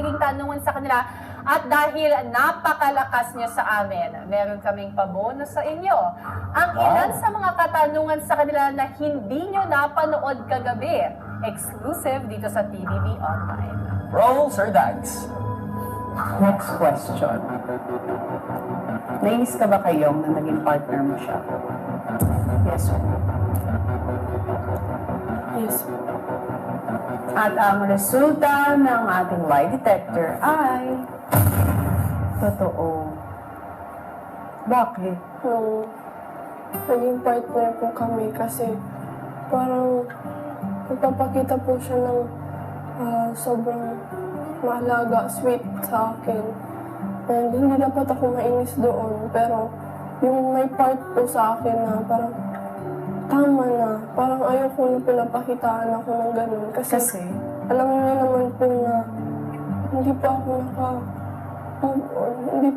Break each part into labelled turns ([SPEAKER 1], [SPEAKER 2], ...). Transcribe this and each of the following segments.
[SPEAKER 1] naging tanungan sa kanila. At dahil napakalakas niyo sa amin, meron kaming pabonus sa inyo. Ang ilan sa mga katanungan sa kanila na hindi nyo napanood kagabi. Exclusive dito sa TVB Online.
[SPEAKER 2] Roll, Sir Dags.
[SPEAKER 3] Next question. Nainis ka ba kayong na naging partner mo siya? Yes.
[SPEAKER 4] Yes.
[SPEAKER 3] At ang resulta ng ating lie detector ay... Totoo. Bakit?
[SPEAKER 4] Nung naging partner po kami kasi parang nagpapakita po siya ng sobrang mahalaga, sweet sa akin. And hindi dapat ako mainis doon, pero yung may part po sa akin na parang tama na, parang ayaw ko na pinapakitaan ako ng ganun. Kasi alam niyo naman po na hindi pa ako naka-move on,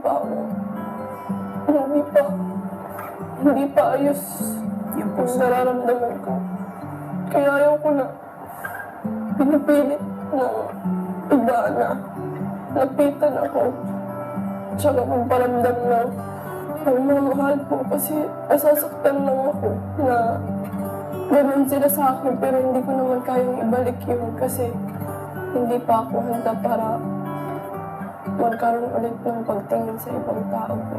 [SPEAKER 4] hindi pa ayos yung nararamdaman ko. Kaya ayaw ko na pinipilit na iba na lapitan ako. Tsaka magparamdam na mahal po kasi nasasaktan lang ako na ganun sila sa akin pero hindi ko naman kayang ibalik yun kasi hindi pa ako handa para magkaroon ulit ng pagtingin sa ibang tao po.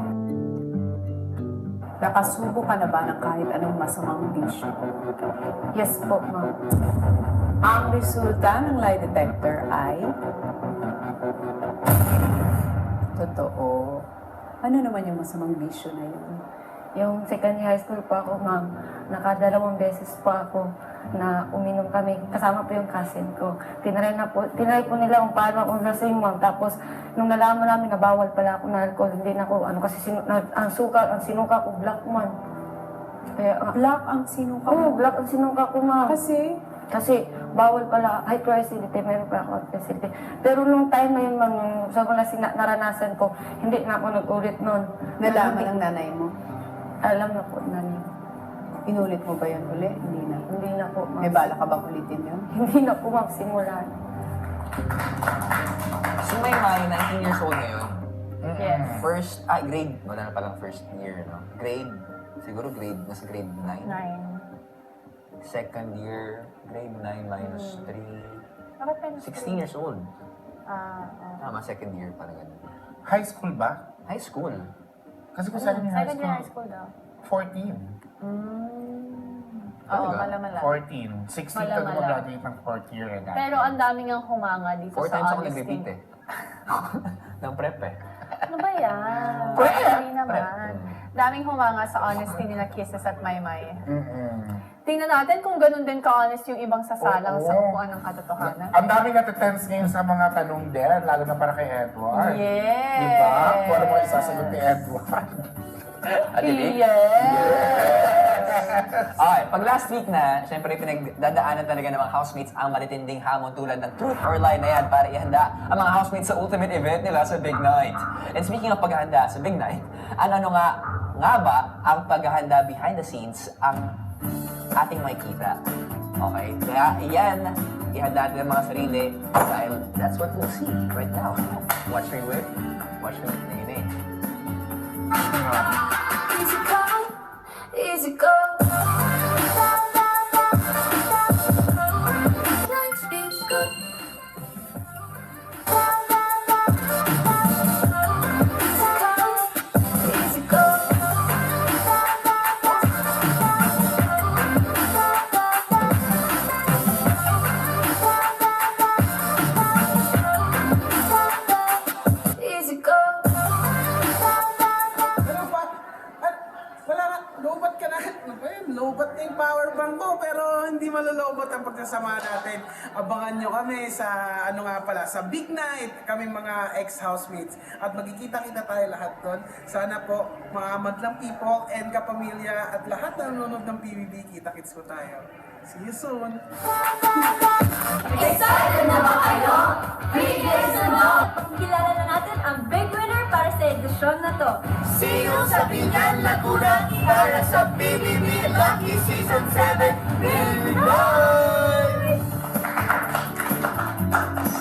[SPEAKER 3] Nakasubo ka na ba ng kahit anong masamang bisyo?
[SPEAKER 1] Yes po, ma'am.
[SPEAKER 3] Ang resulta ng lie detector ay... Totoo. Ano naman yung masamang bisyo na yun?
[SPEAKER 5] Yung second year high school pa ako, ma'am, nakadalawang beses pa ako na uminom kami. Kasama po yung cousin ko. Tinry po nila kung paano akong lasing, ma'am. Tapos, nung nalaman namin na bawal pala ako na alcohol, hindi na ako, kasi ang sinuka ko, black, man. Kaya,
[SPEAKER 3] Black ang sinuka
[SPEAKER 5] oo,
[SPEAKER 3] mo.
[SPEAKER 5] black ang sinuka ko, ma'am.
[SPEAKER 3] Kasi,
[SPEAKER 5] Bawal pala, hyper acidity, meron pa ako acidity. Pero nung time na yun, ma'am, nung sa mga naranasan ko, hindi na ako nag-ulit nun.
[SPEAKER 3] nalaman ng nanay mo.
[SPEAKER 5] Alam na po, nani.
[SPEAKER 3] Inulit mo ba yun uli? Hindi na.
[SPEAKER 5] Hindi na po, ma'am.
[SPEAKER 3] May bala ka bang ulitin yun?
[SPEAKER 5] Hindi na po, ma'am, simulan.
[SPEAKER 2] Si Maymay, 19 years old ngayon.
[SPEAKER 1] Yes.
[SPEAKER 2] Grade, wala na palang first year, no? Nasa grade 9.
[SPEAKER 1] 9.
[SPEAKER 2] Second year, grade 9 minus 3.
[SPEAKER 1] Bakit pa
[SPEAKER 2] 16 years old.
[SPEAKER 1] Ah,
[SPEAKER 2] Second year, parang ganun.
[SPEAKER 6] High school ba?
[SPEAKER 2] High school.
[SPEAKER 6] Kasi kung second year high
[SPEAKER 1] second year high
[SPEAKER 6] school,
[SPEAKER 1] school daw.
[SPEAKER 6] 14.
[SPEAKER 1] Oo,
[SPEAKER 2] Talaga?
[SPEAKER 1] malamala.
[SPEAKER 6] 14. 16 ka
[SPEAKER 1] Malamala.
[SPEAKER 6] mag-graduate ng fourth year.
[SPEAKER 1] Pero ang daming ang humanga dito
[SPEAKER 2] 4
[SPEAKER 1] sa
[SPEAKER 2] times ako
[SPEAKER 1] honesty.
[SPEAKER 2] nag-repeat eh. Ng prep eh.
[SPEAKER 1] Ano ba yan? Hindi naman. Daming humanga sa honesty ni na Kisses at Maymay. Tingnan natin kung ganun din ka-honest yung ibang sasalang sa
[SPEAKER 6] Oo.
[SPEAKER 1] upuan ng katotohanan.
[SPEAKER 6] Ang daming natitense ngayon sa mga tanong din, lalo na para kay Edward.
[SPEAKER 1] Yes!
[SPEAKER 6] Diba? Kung ano mo isasagot ni Edward.
[SPEAKER 2] Okay, pag last week na, syempre pinagdadaanan talaga ng mga housemates ang matitinding hamon tulad ng truth or lie na yan para ihanda ang mga housemates sa ultimate event nila sa Big Night. And speaking of paghahanda sa Big Night, ano nga ba ang paghahanda behind the scenes ang ating makikita? Okay, kaya iyan, ihanda natin ang mga sarili dahil that's what we'll see right now. Watch me with Nene.
[SPEAKER 7] Easy come, easy go. Life is good. Easy come, easy go. Easy go.
[SPEAKER 8] Ano pa? Wala na, lobat ka na. Ano ba yun? Lobat na yung power bank ko, pero hindi malolobat ang pagkasama natin. Abangan nyo kami sa, sa Big Night, kami mga ex-housemates. At magkikita-kita tayo lahat doon. Sana po, mga madlang people and kapamilya at lahat na nanonood ng PBB, kita-kits ko tayo. See you soon!
[SPEAKER 7] Excited na ba kayo? Big days na no! Kilala na natin ang big winner para sa edisyon na to.
[SPEAKER 8] See you sa Binyan Laguna para sa PBB Lucky Season 7! Here we go!